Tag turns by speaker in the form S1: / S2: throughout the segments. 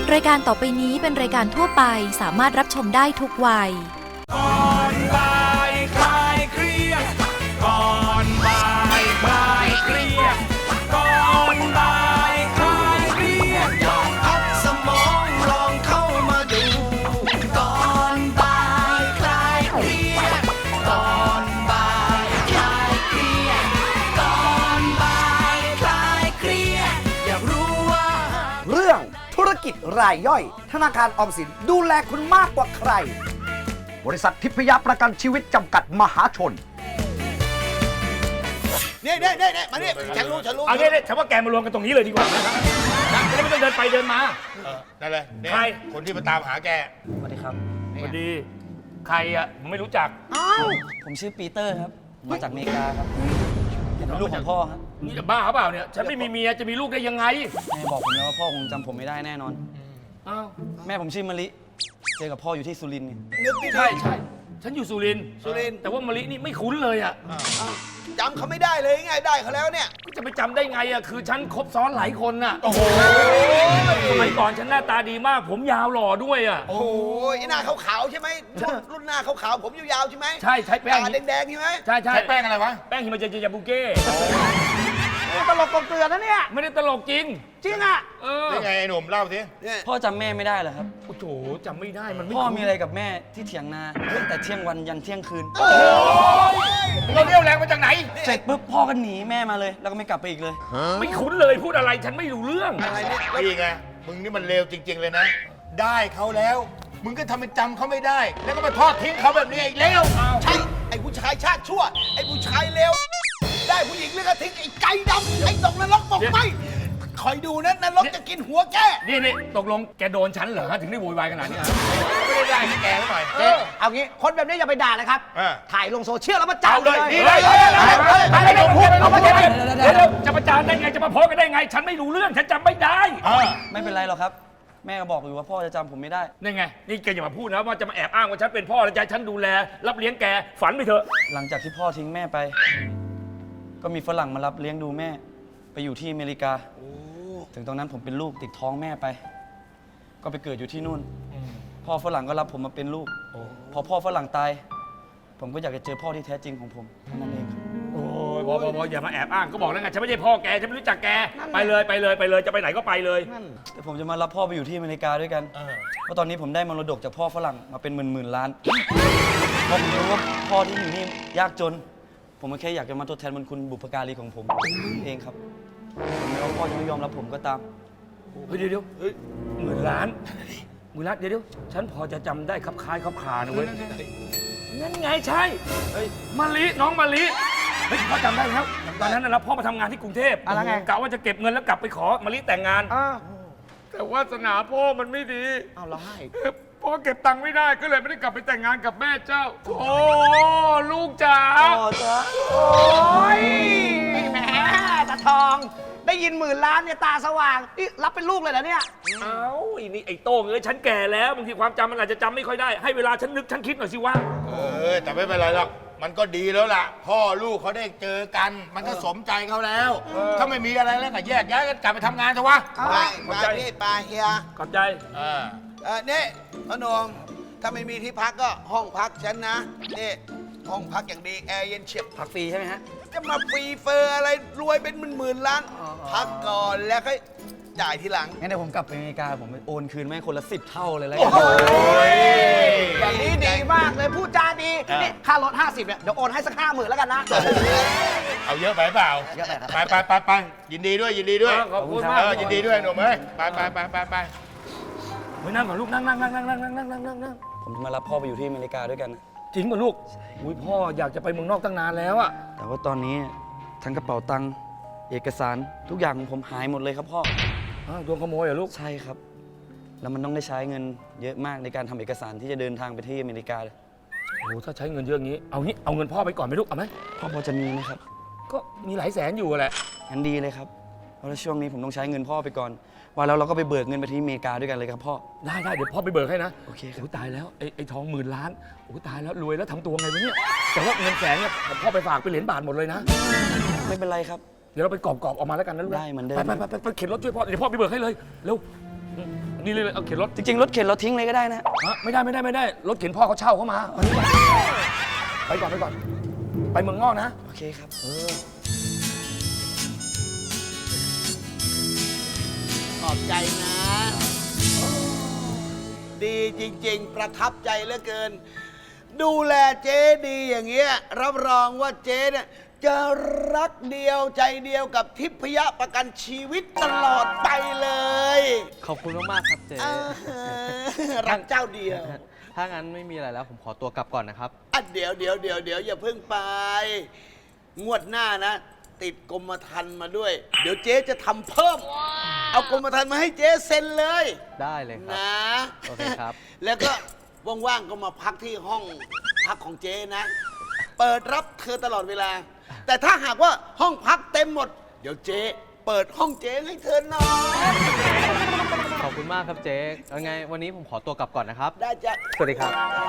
S1: รายการต่อไปนี้เป็นรายการทั่วไปสามารถรับชมได้ทุกวัย
S2: ก่อนบ่ายคลายเครียดก่อนบ่ายคลายเครียดก่อนบ่ายคลายเครียดลองพักสมองลองเข้ามาดูก่อนบ่ายคลายเครียดก่อนบ่ายคลายเครียดก่อนบ่ายคลายเครียดอยากรู้ว่า
S3: เรื่องธุรกิจรายย่อยธนาคารออมสินดูแลคุณมากกว่าใครบริษัททิพยประกันชีวิตจำกัดมหาชน
S4: เนี่ยมาเนี่ยฉันรู้
S2: เอาเนี่ยฉันว่าแกมารวมกันตรงนี้เลยดีกว่านะครับจะได้ไม่ต้องเดินไปเดินมา
S4: นั่นเลยเนี่ย
S2: ใคร
S4: คนที่มาตามหาแก
S5: สวัสดีครับ
S2: สวัสดีใครอ่ะผมไม่รู้จัก
S5: ผมชื่อปีเตอร์ครับ มาจากอเมริกาครับเป็นลูกของพ่อครับ
S2: นี่จะบ้าเปล่าเนี่ยฉันไม่มีเมียจะมีลูกได้ยังไง
S5: แม่บอกผมแล้วว่าพ่อคงจำผมไม่ได้แน่นอน
S2: อ้าว
S5: แม่ผมชื่อมะลิ เจอกับพ่ออยู่ที่สุรินทร์ไง
S4: นึกดี
S2: ใช่ฉันอยู่สุรินทร์
S4: สุรินทร์
S2: แต่ว่ามะลินี่ไม่คุ้นเลยอ่ะ
S4: จำเขาไม่ได้เลยไงได้เขาแล้วเนี่ย
S2: จะไปจำได้ไงอ่ะคือฉันคบซ้อนหลายคนน่ะ
S4: โอ้โห
S2: สมัยก่อนฉันหน้าตาดีมาก ผมยาวหล่อด้วยอ่ะ
S4: โอ้โหไอ้หน้าขาวๆใช่ไหมรุ่นหน้าขาวๆผมยาวๆใช่ไหม
S2: ใช่ใช้แป้ง
S4: ตาแดงๆใช่ไหม
S2: ใช่
S4: ใช้แป้งอะไรวะ
S2: แป้งฮิมาเจยาบุเก้
S3: ตลกกลมเกลือนะเนี่ย
S2: ไม่ได้ตลกจริง
S3: จริงอ่ะ
S4: นี่ไงไอ้หนุ่มเล่าสิเนี่ย
S5: พ่อจำแม่ไม่ได้เหรอครับ
S2: โอ้โหจำไม่ได้มันไม่
S5: พ่อมีอะไรกับแม่ที่เถียงนาตั้งแต่เที่ยงวันยันเที่ยงคืน
S2: เราเรียวแรงมาจากไหน
S5: เสร็จปุ๊บพ่อก็หนีแม่มาเลย แล้วก็ไม่กลับไปอีกเลย
S2: ไม่คุ้นเลยพูดอะไรฉันไม่รู้เรื่อง
S4: อะไรเนี่ยนี่ไงมึงนี่มันเลวจริง ๆเลยนะ ได้เขาแล้ว มึงก็ทำเป็นจำเขาไม่ได้ แล้วก็มาทอดทิ้งเขาแบบนี้อีกแล้วใช่ไอ้ผู้ชายชาติชั่วไอ้ผู้ชายเลวได้ผู้หญิงแล้วก็ทิ้งไอ้ไก่ดำไอ้ตกนรกบอกไม่คอยดูนะนรกจะกินหัวแก
S2: นี่ตกลงแกโดนฉันเหรอถึงได้โวยวายขนาดนี้ฮะ
S4: ไม่ได้ให้แกหน่อย
S3: เอางี้คนแบบนี้อย่าไปด่าเลยครับ ถ่ายลงโซเชียลแล้วมาจับ
S2: เอาเลย
S3: นี่
S2: นี่
S3: เล
S2: เลย ย
S3: อะไรพูดเอามาจะไป
S2: เดี๋ยวจะประจานได้ไงจะมาโพสกันได้ไง ฉันไม่รู้เรื่องฉันจำไม่ได้
S5: ไม่เป็นไรหรอกครับ แม่ก็บอกอยู่ว่าพ่อจะจำผมไม่ได้
S2: นี่ไงนี่แกอย่ามาพูดนะว่าจะมาแอบอ้างว่าฉันเป็นพ่อแล้วจะให้ฉันดูแลรับเลี้ยงแกฝันไปเถอะ
S5: หลังจากที่พ่อทิ้งแม่ไป ก็มีฝรั่งมารับเลี้ยงดูแม่ ไปอยู่ที่อเมริกา ถึงตรงนั้นผมเป็นลูกติดท้องแม่ไป ก็ไปเกิดอยู่ที่นู่น พ่อฝรั่งก็รับผมมาเป็นลูก พอพ่อฝรั่งตาย ผมก็อยากจะเจอพ่อที่แท้จริงของผมเท่านั้นเองครับ
S2: โอ้ยพออย่ามาแอบอ้างก็บอกแล้วไงฉันไม่ใช่พ่อแกฉันไม่รู้จักแกไปเลยจะไปไหนก็ไปเลย
S5: แต่ผมจะมารับพ่อไปอยู่ที่อเมริกาด้วยกัน เพราะตอนนี้ผมได้มรดกจากพ่อฝรั่งมาเป็นหมื่นล้านเพราะผมรู้ว่าพ่อที่อยู่นี่ยากจน ผมก็แค่อยากจะมาทดแทนบุญคุณบุพการีของผมเองครับถึงแม้ว่าพ่อจะไม่ยอมรับผมก็ตาม
S2: เฮ้ยเดี๋ยวหมื่นล้านเดี๋ยวฉันพอจะจำได้ครับคล้ายครับคานะเว้ยนั่นไงใช่มะลิน้องมะลิเฮ้ยพ่อจำได้แล้วตอนนั้นนะพ่อมาทำงานที่กรุงเทพกะว่าจะเก็บเงินแล้วกลับไปขอมะลิแต่งงานแต่วาสนาพ่อมันไม่ดีเอาละให้พ่อเก็บตังค์ไม่ได้ก็เลยไม่ได้กลับไปแต่งงานกับแม่เจ้าโอ้ลูกจ๋า
S3: โอ้ยแหมตาทองได้ยินหมื่นล้านเนี่ยตาสว่างนี่รับเป็นลูกเลยเหรอเนี่ย
S2: เอ้าไอ้โต้งเอ้ยฉันแก่แล้วบางทีความจำมันอาจจะจำไม่ค่อยได้ให้เวลาฉันนึกฉันคิดหน่อยสิว่า
S4: แต่ไม่เป็นไรหรอกมันก็ดีแล้วล่ะ พ่อลูกเขาได้เจอกัน มันก็สมใจเขาแล้ว ถ้าไม่มีอะไรแล้วก็แยกย้ายกันกลับไปทำงานเถอะวะ
S6: ไปพี่ไปเฮีย
S2: ขอบใจ
S6: นี่พนมถ้าไม่มีที่พักก็ห้องพักฉันนะนี่ห้องพักอย่างดีแอร์เย็นเฉียบ
S5: พักฟรีใช่ไหมฮะ
S6: จะมาฟรีเฟอร์อะไรรวยเป็นหมื่นล้านพักก่อนแล้วค่อยจ่ายทีหลัง
S5: งั้นเดี๋ยวผมกลับไปอเมริกาผมไปโอนคืนแม่คนละ10 เท่าเลยแล้ว
S3: โอ้โหอย่างนี้ดีมากเลยพูดจาดีนี่ค่ารถ50เนี่ยเดี๋ยวโอนให้สัก50,000แล้วกันนะ
S4: เอาเยอะไปเปล่า
S3: เยอะไปครับ
S4: ไปยินดีด้วย
S2: ขอบคุณมาก
S4: ยินดีด้วยหนุ่มเอ้ยไป
S2: เฮ้ยนั่งก่อนลูกนั่ง
S5: ผมจะมารับพ่อไปอยู่ที่อเมริกาด้วยกันนะ
S2: จริงป่ะลูกอุ้ยพ่ออยากจะไปเมืองนอกตั้งนานแล้วอะ
S5: แต่ว่าตอนนี้ทั้งกระเป๋าตังค์เอกสารทุกอย่างของผมหายหมดเลยครับพ่อ
S2: โดนขโมยเหรอลูก
S5: ใช่ครับ แล้วมันต้องได้ใช้เงินเยอะมากในการทำเอกสารที่จะเดินทางไปที่อเมริกาเลย
S2: โอ้ถ้าใช้เงินเยอะงี้เอาเงินพ่อไปก่อนไหมลูกเอาไหม
S5: พ่อพอจะมีไหมครับ
S2: ก็มีหลายแสนอยู่แหละ
S5: งั้นดีเลยครับเพราะว่าช่วงนี้ผมต้องใช้เงินพ่อไปก่อนว่าแล้วเราก็ไปเบิกเงินไปที่อเมริกาด้วยกันเลยครับพ่อ
S2: ได้เดี๋ยวพ่อไปเบิกให้นะ
S5: โอเคครับ
S2: โอ้ตายแล้วไอ้ทอง10,000 ล้านโอ้ตายแล้วรวยแล้วทำตัวไงวะเนี่ยแต่ว่าเงินแสนเนี่ยพ่อไปฝากเป็นเหรียญบาทหมดเลยนะ
S5: ไม่เป็นไรครับ
S2: เดี๋ยวเราไปกรอบออกมาแล้วกันนะลูก
S5: ได้เหมือนเดิม
S2: ไปเข็นรถช่วยพ่อเดี๋ยวพ่อไปเบิกให้เลยเร็ว
S7: นี่เลยเอาเข็นรถ
S5: จริงๆรถเข็นเราทิ้งเลยก็ได้นะ
S7: ฮะไม่ได้รถเข็นพ่อเขาเช่าเขามาเอานี่ไปก่อนไปเมืองนอกนะ
S5: โอเคครับ
S6: ขอบใจนะ ดีจริงๆ ประทับใจเหลือเกิน ดูแลเจ๊ดีอย่างเงี้ย รับรองว่าเจ๊เนี่ยจะรักเดียวใจเดียวกับทิพยประกันชีวิตตลอดไปเลย
S8: ขอบคุณมากๆครับเจ๊
S6: รักเจ้าเดียว
S8: ถ้างั้นไม่มีอะไรแล้วผมขอตัวกลับก่อนนะครับ
S6: อ่ะเดี๋ยวอย่าเพิ่งไป งวดหน้านะ ติดกรมธรรม์มาด้วย เดี๋ยวเจ๊จะทำเพิ่ม เอากรมธรรม์มาให้เจ๊เซ็นเลย
S8: ได้เลยครับ
S6: นะ
S8: โอเคครับ
S6: แล้วก็ว่างๆก็มาพักที่ห้องพักของเจ๊นะ เปิดรับเธอตลอดเวลา แต่ถ้าหากว่าห้องพักเต็มหมด เดี๋ยวเจ๊เปิดห้องเจ๊ให้เธอนอน
S8: ขอบคุณมากครับเจ๊ยังไงวันนี้ผมขอตัวกลับก่อนนะครับ
S6: ได้จ้ะ
S8: สวัสดีครับ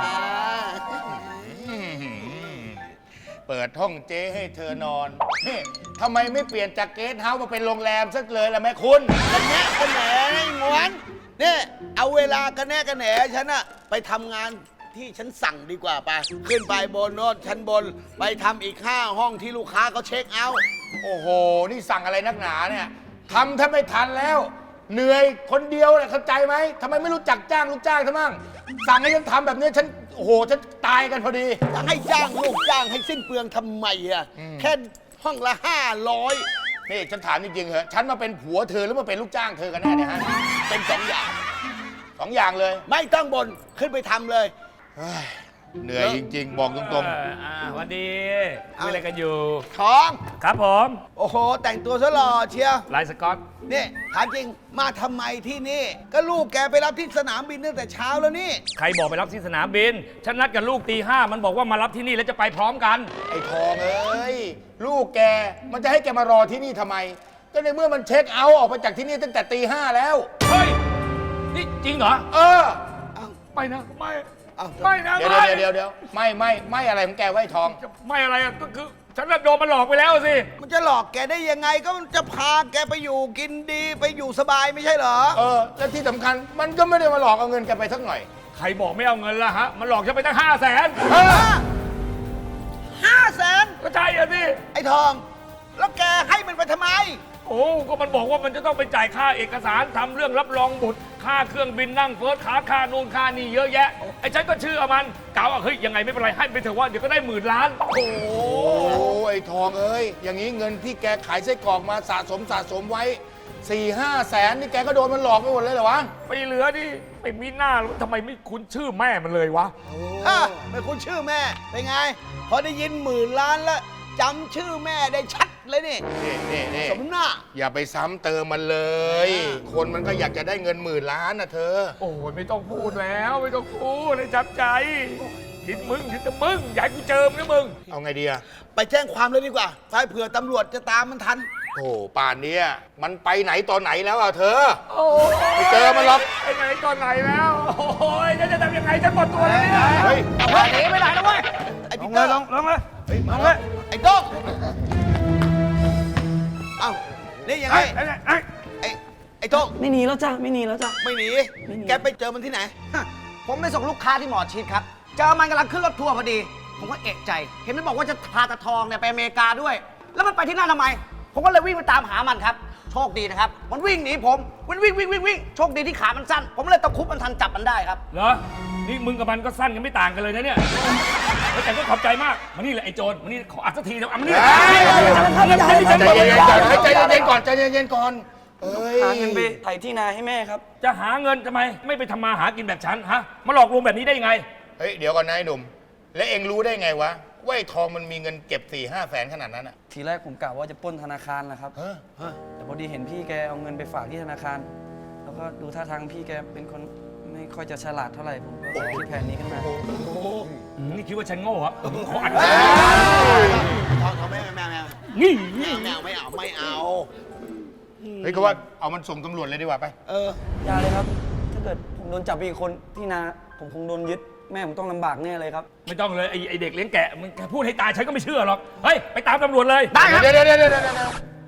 S4: เปิดห้องเจ๊ให้เธอนอนนี่ทำไมไม่เปลี่ยนจากเกสต์เฮาส์มาเป็นโรงแรมสักเลยล่ะแม่คุณ
S6: กันแนะกันแหนงวนเนี่ยเอาเวลากันแน่กันแหนฉันอะไปทำงานที่ฉันสั่งดีกว่าไปขึ้นไปบนโน้นชั้นบนไปทำอีก5ห้องที่ลูกค้าเขาเช็คเอาท์
S4: โอ้โห นี่สั่งอะไรนักหนาเนี่ยทำแทบไม่ทันแล้ว เหนื่อยคนเดียวเนี่ยเข้าใจไหมทำไมไม่รู้จักจ้างลูกจ้างทั้งมั่งสั่งให้ฉันทำแบบนี้ฉันโอ้โหฉันตายกันพอดี
S6: จะให้จ้างลูกจ้างให้สิ้นเปลืองทำไมอะแค่ห้องละ500
S4: นี่ฉันถามจริงๆเหรอะฉันมาเป็นผัวเธอหรือมาเป็นลูกจ้างเธอกันแน่เนี่ยฮะ
S6: เป็น2 อย่าง
S4: สองอย่างเลย
S6: ไม่ต้องบนขึ้นไปทำเลย
S4: เฮ้ยเหนื่อยจริงๆ บอกตรง
S7: สวัสดีคุยอะไรกันอยู่
S6: ท้อง
S7: ครับผม
S6: โอ้โห แต่งตัวซะหล่อเชียว
S7: ลายสก๊อต
S6: นี่ถามจริงมาทำไมที่นี่ ก็ลูกแกไปรับที่สนามบินตั้งแต่เช้าแล้วนี่
S7: ใครบอกไปรับที่สนามบิน ฉันนัดกับลูกตี 5มันบอกว่ามารับที่นี่แล้วจะไปพร้อมกัน
S4: ๆ ไอ้ทองเอ้ย ลูกแกมันจะให้แกมารอที่นี่ทำไม ก็ในเมื่อมันเช็คเอาท์ออกไปจากที่นี่ตั้งแต่ตี 5แล้ว
S7: เฮ้ย นี่จริงเหรอ
S4: เออ
S7: ไปนะ ไม่
S6: เอ้า
S7: ไม่นะ
S4: เดี๋ยว
S7: ไม่
S4: เดี๋ยวไม่อะไรของแกไว้ทอง
S7: ไม่อะไรอะก็คือ ฉันน่ะโดนมันหลอกไปแล้วสิ
S6: มันจะหลอกแกได้ยังไงก็มันจะพาแกไปอยู่กินดีไปอยู่สบายไม่ใช่เหรอ
S4: เออ และที่สำคัญมันก็ไม่ได้มาหลอกเอาเงินแกไปสักหน่อย
S7: ใครบอกไม่เอาเงินละฮะ มันหลอกฉันไปตั้ง500,000
S6: 500,000
S7: ก็ใช่อะสิ
S6: ไอ้ทอง แล้วแกให้มันไปทำไม
S7: โอ้ ก็มันบอกว่ามันจะต้องไปจ่ายค่าเอกสารทำเรื่องรับรองบุตร ค่าเครื่องบินนั่งเฟิร์สคลาสค่านู่นค่านี่เยอะแยะ ไอ้ฉันก็เชื่อมันกล่าวว่าเฮ้ยยังไงไม่เป็นไรให้ไปเถอะว่าเดี๋ยวก็ได้10,000 ล้าน โอ้
S4: โอ้ไอ้ทองเอ้ย อย่างนี้เงินที่แกขายไส้กรอกมาสะสมไว้ 4-5 แสนนี่แกก็โดนมันหลอกไปหมดเลยเหรอวะ
S7: ไปเหลือดิไม่มีหน้าแล้วทำไมไม่คุ้นชื่อแม่มันเลยวะ
S6: ไม่คุ้นชื่อแม่ เป็นไง พอได้ยิน10,000 ล้านแล้วจำชื่อแม่ได้ชัดเลยนี่
S4: นี่
S6: สมหน้า
S4: อย่าไปซ้ำเติมมันเลย คนมันก็อยากจะได้เงิน10,000 ล้านนะเธอ
S7: โอ้ยไม่ต้องพูดแล้วไม่ต้องพูดเลยจับใจคิดมึงอยากให้กูเจอมึงนะมึง
S4: เอาไงดีอะ
S6: ไปแจ้งความเลยดีกว่าไปเผื่อตำรวจจะตามมันทัน
S4: โอ้ป่านเนี้ยมันไปไหนตอนไหนแล้วอะเธอ
S7: โอ้
S4: ไม่เจอมันหรอก
S7: ไอ้ไหนตอนไหนแล้ว โอ้ยจะทำยังไงฉันหมดตัวแล้วเนี่ย
S4: เฮ้ย
S6: หนีไปไหนแล้วเว้ย ไอ้
S7: ล
S6: ปี
S7: ง
S6: เต
S7: เล
S6: อย ร์
S7: ลงเลย
S6: ลงเลย ไอ้โต้งเอ้า นี่ยังไง ไอ้โต้ง
S5: ไม่หนีแล้วจ้ะไม่หนีแล้วจ้ะ
S6: ไม่หนี
S5: ไม่หนี
S6: แกไปเจอมันที่ไหน
S3: ผมไปส่งลูกค้าที่หมอชิดครับ เจอมันกำลังขึ้นรถทัวร์พอดี ผมก็เอะใจ เห็นมันบอกว่าจะพาตาทองเนี่ยไปอเมริกาด้วย แล้วมันไปที่นั่นทำไม ผมก็เลยวิ่งไปตามหามันครับ โชคดีนะครับ มันวิ่งหนีผม มันวิ่ง โชคดีที่ขามันสั้น ผมเลยตะครุบมันทันจับมันได้ครับ
S7: เหรอ นี่มึงกับมันก็สั้นกันไม่ต่างกันเลยนะเนี่ยแล้วแต่ก็ขอบใจมากมานี่แหละไอ้โจรมานี่ขออัดสักทีนะมานี่
S4: ใจเย็นก่อนใจเย็นก่อนเอ้ย
S5: หาเงินไปไถที่นาให้แม่ครับ
S7: จะหาเงินทำไม ไม่ไปทำมาหากินแบบฉันฮะ มาหลอกลวงแบบนี้ได้ยังไง
S4: เฮ้ย เดี๋ยวก่อนนะไอ้หนุ่ม แล้วเอ็งรู้ได้ไงวะว่าไอ้ทองมันมีเงินเก็บ 4-5 แสนขนาดนั้นอะ
S5: ทีแรกผมกะว่าจะปล้นธนาคารแหละครับ
S4: เฮ้ย
S5: แต่พอดีเห็นพี่แกเอาเงินไปฝากที่ธนาคาร แล้วก็ดูท่าทางพี่แกเป็นคนไม่ค่อยจะฉลาดเท่าไหร่ผมก็คิดแผนนี้ขึ้นมา
S7: นี่คิดว่าฉันโง่เหรอมึงขออัด
S6: ทองไม่
S7: นี่
S6: ไม่เอา
S4: เฮ้ยก็ว่าเอามันส่งตำรวจเลยดีกว่าไป
S5: อย่าเลยครับ ถ้าเกิดผมโดนจับไปอีกคนที่นาผมคงโดนยึดแม่ผมต้องลำบากแน่เลยครับ
S7: ไม่ต้องเลยไอเด็กเลี้ยงแกะมึงพูดให้ตายฉันก็ไม่เชื่อหรอก เฮ้ย ไปตามตำรวจเลย
S4: ได้ครับเดี๋ยว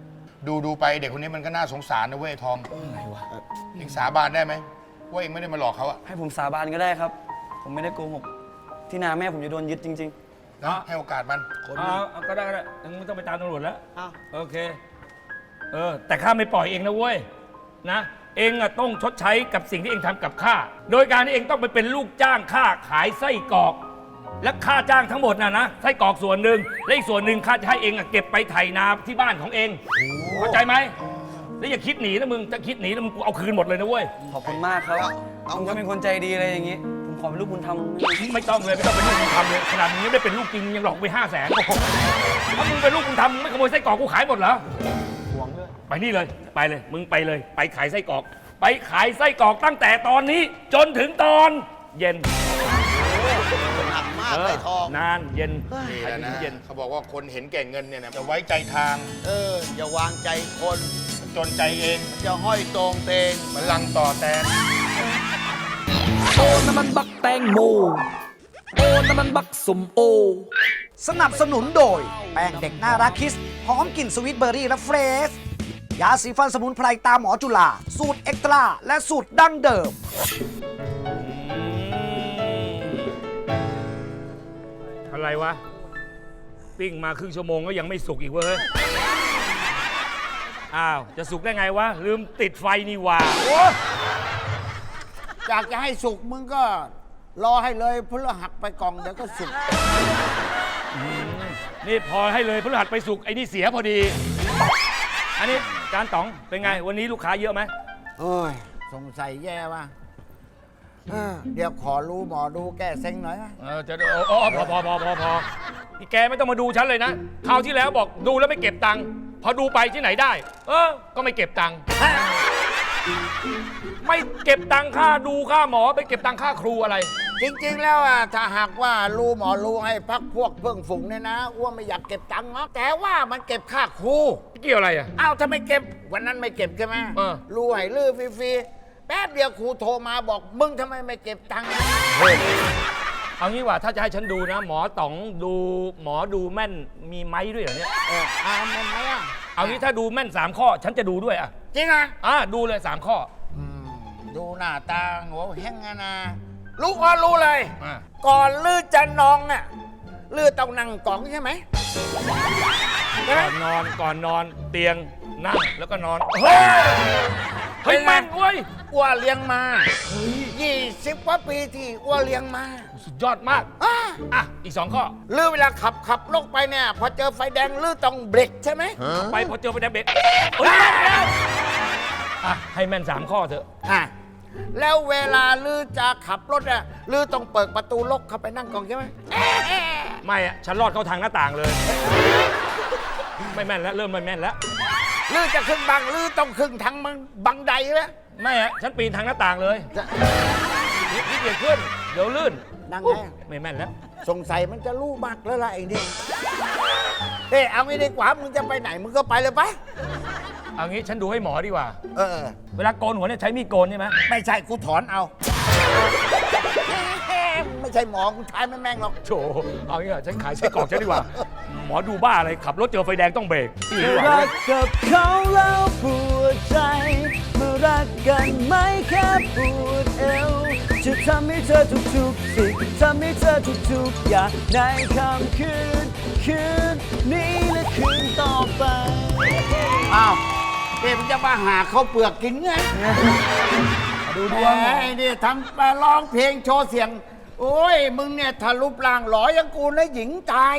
S4: ดูไปเด็กคนนี้มันก็น่าสงสารนะเว้ยทองอะไรวะเองสาบานได้ไหมว่าเองไม่ได้มาหลอกเขาอะ
S5: ให้ผมสาบานก็ได้ครับ ผมไม่ได้โกหก ที่นาแม่ผมจะโดนยึดจริง
S4: นะให้โอกาสมัน
S7: เอาก็ได้มึงไม่ต้องไปตามตำรวจแล้ว
S6: อ้าว
S7: โอเค แต่ข้าไม่ปล่อยเองนะเว้ย นะ เองอะต้องชดใช้กับสิ่งที่เองทำกับข้า โดยการที่เองต้องไปเป็นลูกจ้างข้าขายไส้กรอก และค่าจ้างทั้งหมดนะไส้กรอกส่วนหนึ่งและอีกส่วนหนึ่งข้าจะให้เองอะเก็บไปไถนาที่บ้านของเองเข้าใจไหมแล้วอย่าคิดหนีนะมึงจะคิดหนีนะมึงกูเอาคืนหมดเลยนะเว้ย
S5: ๆ ขอบคุณมากครับผมก็เป็นคนใจดีอะไรอย่างนี้ ผมขอเป็นลูกบุญธรรม
S7: ไม่ต้องเลยไม่ต้องเป็นลูกบุญธรรมเลยขนาดนี้ไม่ได้เป็นลูกจริงยังหลอกไป500,000ถ้ามึงเป็นลูกบุญธรรมมึงไม่ขโมยไส้กรอกกูขายหมดเหรอไปนี่เลยไปเลยมึงไปเลยไปขายไส้กรอก ไปขายไส้กรอกตั้งแต่ตอนนี้ จนถึงตอนเย็น
S6: หนักมากไอ้ทอง
S7: นานเย็น
S4: นี่แหละนะ
S7: เย็น
S4: เขาบอกว่าคนเห็นแก่เงินเนี่ยนะจะไว้ใจทาง
S6: อย่าวางใจคน
S4: มันจนใจเอง
S6: จะห้อยตรงเตง
S4: มันลังต่อแตน
S2: โอ้น้ำมันบักแตงโมโอ้น้ำมันบักสมโอ
S3: สนับสนุนโดย แป้งเด็กน่ารักคิสหอมกลิ่นสวีทเบอร์รี่และเฟรชยาสีฟันสมุนไพรตาหมอจุฬาสูตรเอ็กตร้าและสูตรดั้งเดิม
S7: อะไรวะ ปิ้งมาครึ่งชั่วโมงก็ยังไม่สุกอีกเว้ยอ้าวจะสุกได้ไงวะลืมติดไฟนี่หว่าโอ้
S6: อยากจะให้สุกมึงก็รอให้เลยพลหักไปกล่องเดี๋ยวก็สุก
S7: นี่พอให้เลยพฤหัสไปสุกไอ้นี่เสียพอดี อันนี้จานต๋องเป็นไงวันนี้ลูกค้าเยอะไหม
S6: เอ้ยสงสัยแย่ว่ะเดี๋ยวขอรู้หมอดูแก้เซ็งหน่อยนะ
S7: จะพอพี่แกไม่ต้องมาดูฉันเลยนะคราวที่แล้วบอกดูแล้วไม่เก็บตังค์พอดูไปที่ไหนได้ ก็ไม่เก็บตังค์ไม่เก็บตังค่าดูค่าหมอไปเก็บตังค่าครูอะไร
S6: จริงๆแล้วอ่ะถ้าหากว่ารู้หมอรู้ให้พักพวกเพื่อนฝูงเนี่ยนะอ้วนไม่อยากเก็บตังค์เนาะแต่ว่ามันเก็บค่าครู
S7: เกี่ยวอะไรอ่ะ
S6: อ้าวถ้าไม่เก็บวันนั้นไม่เก็บใช่ไหม รู้ให้ลื้อฟรีๆแป๊บเดียวครูโทรมาบอกมึงทำไมไม่เก็บตังค์
S7: เอางี้ว่าถ้าจะให้ฉันดูนะ หมอต๋องดูหมอดูแม่นมีไม้ด้วยเหรอเนี่ย
S6: มันไหมอ่ะ
S7: เอางี้ถ้าดูแม่น3ข้อ ฉันจะดูด้วยอ่ะ
S6: จริงอ่ะ
S7: ดูเลย3ข้อ
S6: ดูหน้าตาหัวแห้งอะนะรู้ว่ารู้เลย
S7: อ่า
S6: ก่อนลื้อจะนองอ่ะลื้อต้องนั่งกล่องใช่ไหม
S7: ก่อนนอนเตียงนั่งแล้วก็นอนเฮ้ยแม่นเว้ย
S6: อ้วเลี้ยงมา20 กว่าปีที่อ้วเลี้ยงมา
S7: สุดยอดมากอีก2ข้อ
S6: ลื้อเวลาขับลงไปเนี่ยพอเจอไฟแดงลื้อต้องเบรกใช่ไหม
S7: ไปพอเจอไปแดงเบรกเฮ้ยแม่นแล้วให้แม่น3ข้อเถอะ
S6: แล้วเวลาลื้อจะขับรถอ่ะลื้อต้องเปิดประตูลกเข้าไปนั่งกล่องใช่ไหม
S7: ไม่อะฉันรอดเข้าทางหน้าต่างเลย ไม่แม่นแล้วเริ่มไม่แม่นแล้ว
S6: ลื้อจะขึ้นบังลื้อต้องขึ้นทางบังไดใช่ไหม
S7: ไม่อะฉันปีนทางหน้าต่างเลยนี่เกียดขึ้นเดี๋ยวลื่น
S6: นั่งไง
S7: ไม่แม่นแล้ว
S6: สงสัยมันจะรู้มากแล้วล่ะไอ้นี่เอางี้ดีกว่ามึงจะไปไหนมึงก็ไปเลยไป
S7: เอางี้ฉันดูให้หมอดีกว่า
S6: เออ
S7: เวลาโกนหัวเนี่ยใช้มีดโกนใช่ไหม
S6: ไม่ใช่กูถอนเอา ไม่ใช่หมอกูทายไม่แม่งหรอก
S7: โถเอางี้เหรอฉันขายไส้กรอกฉันดีกว่า หมอดูบ้าอะไรขับรถเจอไฟแดงต้องเบรกดีกว่า
S5: รักกับเขาแล้วปวดใจเมื่อรักกันไม่แค่ปวดเอวจะทำให้เธอทุกๆสิ่งทำให้เธอทุกๆอย่างในค่ำคืนนี้และคืนต่อไป
S6: อ้าวมึงจะมาหาข้าวเปลือกกินไง
S5: ดูดวง
S6: ไอ้นี่ทำมาร้องเพลงโชว์เสียง โอ้ย มึงเนี่ยถ้ารูปร่างหล่ออยังกูนะหญิงตาย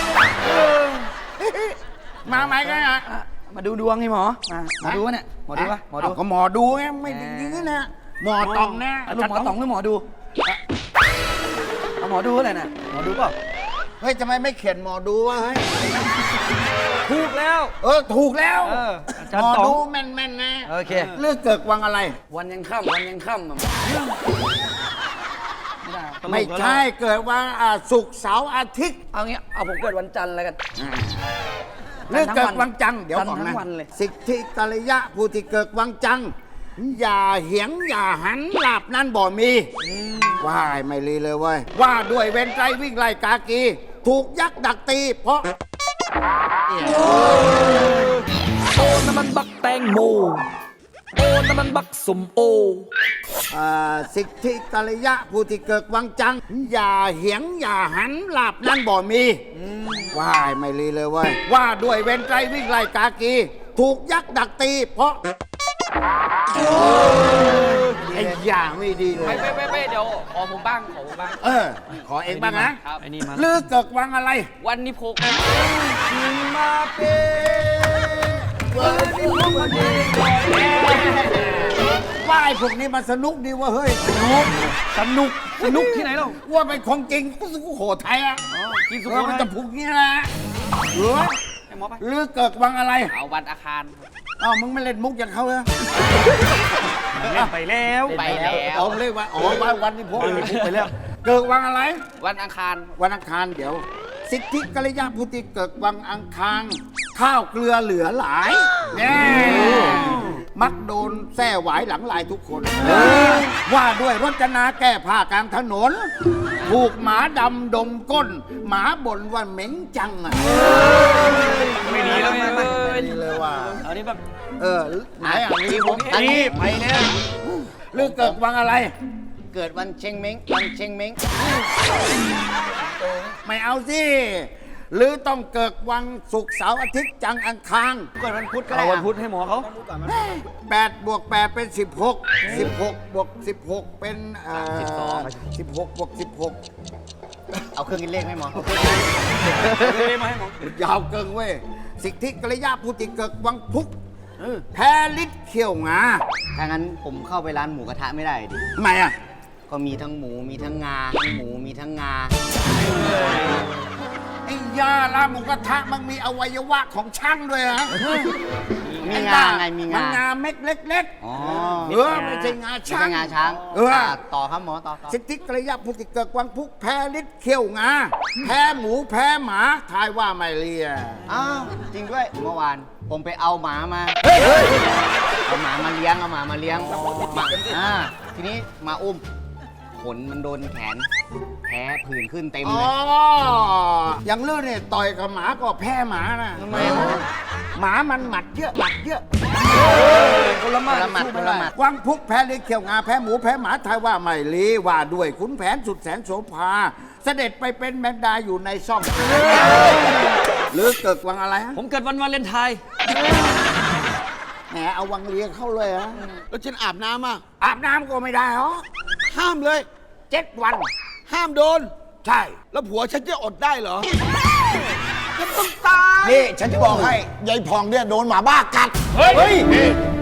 S6: มาไหมกันอ่ะ
S5: มาดูดวงไงหมอมาดูวะเนี่ยหมอดูปะหมอดู
S6: ก็หมอดูไงไม่จริงๆนะหมอตองนะ
S5: ลูกหมอต๋องหรือหมอดูเอาหมอดูอะไรน่ะหมอดูเปล่า
S6: เฮ้ยทำไมไม่เขียนหมอดูวะเฮ้ย
S5: ถูกแล้ว
S6: ถูกแล้ว
S5: อาจาร
S6: หม
S5: ย์
S6: อ
S5: ต๋อง
S6: ดูแม่นๆนะ
S5: โอเค
S6: เลือกเกิดวังอะไร
S5: วันยังค่ำอะไม่ได้
S6: ไม่ใช่เกิดวันศุกร์เสาร์อาทิตย์
S5: เอางี้เอาผมเกิดวันจันทร์แล้วกัน
S6: เลือกเกิดวังจังเดี๋ยว
S5: จันทร์
S6: ก่อน
S5: ทั้
S6: นะ
S5: งวันเลย
S6: สิทธิกัลยะผู้ที่เกิดวังจัง อย่าเหียงอย่าหันหลับนั้นบ่มีว่าไม่รีเลยเว้ยว่าด้วยเว้นใจวิ่งไล่กากี ถูกยักษ์ดักตี เพราะ
S2: โอ้น้
S9: น้ำมันบักแตงโมโอน้ำมันบักสมโอ
S4: สิทธิกัลยะผู้ที่เกิดวังจัง อย่าเหียงอย่าหันลาบนั่นบ่มีว่ายไม่รีเลยเว้ยว่าด้วยเวรไตรวิ่งไล่กากี ถูกยักษ์ดักตี เพราะไอ้อย่างไม่ดีเลย
S8: ไม่เดี๋ยวขอผมบ้าง
S4: ขอเองบ้างนะ
S5: ไอ้นี่มา
S4: ลือเกิดวังอะไร
S8: วันนี้พก
S4: มาเป็นวันนี้พวกมันดีว่าไอ้พวกนี้มันสนุกดีว่าเฮ้ยสนุกที่ไหนเราว่าเป็นของจริงก็สุโขทัยอ่ะกินสุโขทัยมันจะพุกนี้นะหรือลือเกิดวังอะไร
S8: เอาวันอาคาร
S4: อ้าวมึงไม่เล่นมุกอย่างเขาเลย
S5: ไปแล้ว
S8: ไปแล้ว
S4: เอาเลยว่าวันนี้พวกไปแล้วเกิดวังอะไร
S8: วันอังคาร
S4: วันอังคารเดี๋ยว สิทธิกัลยาพุติเกิดวังอังคารข้าวเกลือเหลือหลายแน่มักโดนแส้หวายหลังลายทุกคนว่าด้วยรจนาแก้ผ้ากลางถนน ถูกหมาดำดมก้น หมาบ่นว่าเหม็งจังอ่ะ
S5: ไม่ดีแล้วไม่
S4: ไม่ดีเลยว่า
S5: เอานี่แบบ
S4: ไหนอ่ะนี่ผมนี่ไปเนี่ยหรือเกิดวังอะไร
S6: เกิดวันเชงเม้งวันเชงเม้ง
S4: ไม่เอาสิหรือต้องเกิดวันศุกร์เสาร์อาทิตย์จังอังคาร
S3: เกิดวันพุธก็
S5: เอา
S3: ได้
S5: วันพุธให้หมอเขา
S4: 8 บวก 8 เป็น 16 16 บวก 16 เป็น16 บวก 16
S6: เอาเครื่องคิดเลขไหมหมอ
S5: ได้มาให้หมอ
S4: ยาวเกินเว้ย สิทธิกัลยาภูติเกิดวังพุกแพ้ลิศเขี้ยวงา
S6: ถ้างั้นผมเข้าไปร้านหมูกระทะไม่ได้ดิ
S4: ทำไมอ่ะ
S6: ก็มีทั้งหมูมีทั้งงาทั้งหมูมีทั้งงา
S4: ไอ้ยาลาหมูกระทะมันมีอวัยวะของช่างด้วยฮะ
S6: มีงาไงมี
S4: มัน
S6: งา
S4: งาเม็ดเล็ก
S6: อ๋อ
S4: ไม่ใช่งา
S6: ไม่
S4: ช่า
S6: ใช่
S4: ง
S6: งาช้าง ต่อครับหมอต่อ
S4: สิทธิกัลยาภูติเกิดวังพุกแพ้ลิศเขี้ยวงา แพ้หมูแพ้หมาทายว่าไม่เลีย
S6: อ้าวจริงด้วยเมื่อวานผมไปเอาหมามาเอาหมามาเลี้ยงเอาหมามาเลี้ยงทีนี้มาอุ้มขนมันโดนแขนแผลผื่นขึ้นเต็ม
S4: อ๋
S6: เล
S4: อย อย่างลื่นเนี่ยต่อยกับหมาก็แพ้หมานะ
S6: ทำไม
S4: หมามันหมัดเยอะหมัดเยอะ
S6: คนละหมัดคนละหมัด
S4: วังพุกแพ้ลิศเขี้ยวงาแพ้หมูแพ้หมาทายว่าไม่ลีว่าด้วยขุนแผนสุดแสนโสภา เสด็จไปเป็นแมงดาอยู่ในซ่องหรือเกิดวังอะไรฮะ
S5: ผมเกิดวันวาเลนไทน์
S4: แหมเอาวังเลียเข้าเลยฮะ
S6: แล้วฉันอาบน้ำอ่ะ
S4: อาบน้ำก็ไม่ได้หรอ
S6: ห้ามเลย
S4: 7 วัน
S6: ห้ามโดน
S4: ใช่
S6: แล้วผัวฉันจะอดได้เหรอ
S4: นี่ฉันจะบอกให้ยายพองเนี่ยโดนหมาบ้ากัด
S7: เฮ้ย